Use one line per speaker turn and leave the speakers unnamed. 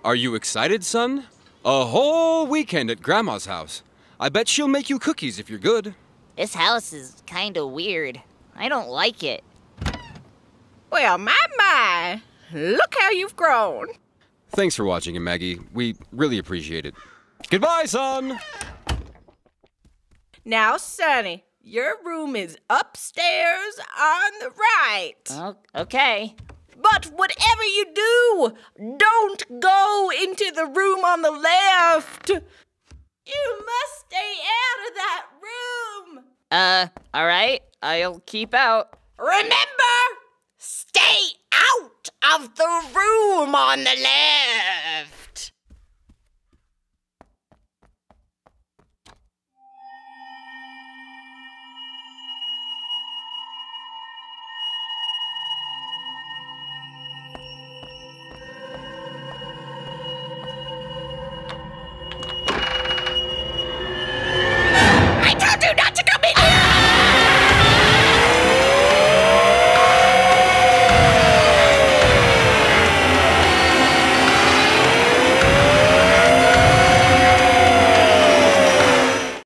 Are you excited, son? A whole weekend at Grandma's house. I bet she'll make you cookies if you're good.
This house is kinda weird. I don't like it.
Well, my. Look how you've grown.
Thanks for watching, Maggie. We really appreciate it. Goodbye, son!
Now, Sonny, your room is upstairs on the right.
Oh, okay.
But whatever you do, don't go into the room on the left. You must stay out of that room.
Alright. I'll keep out.
Remember, stay out of the room on the left.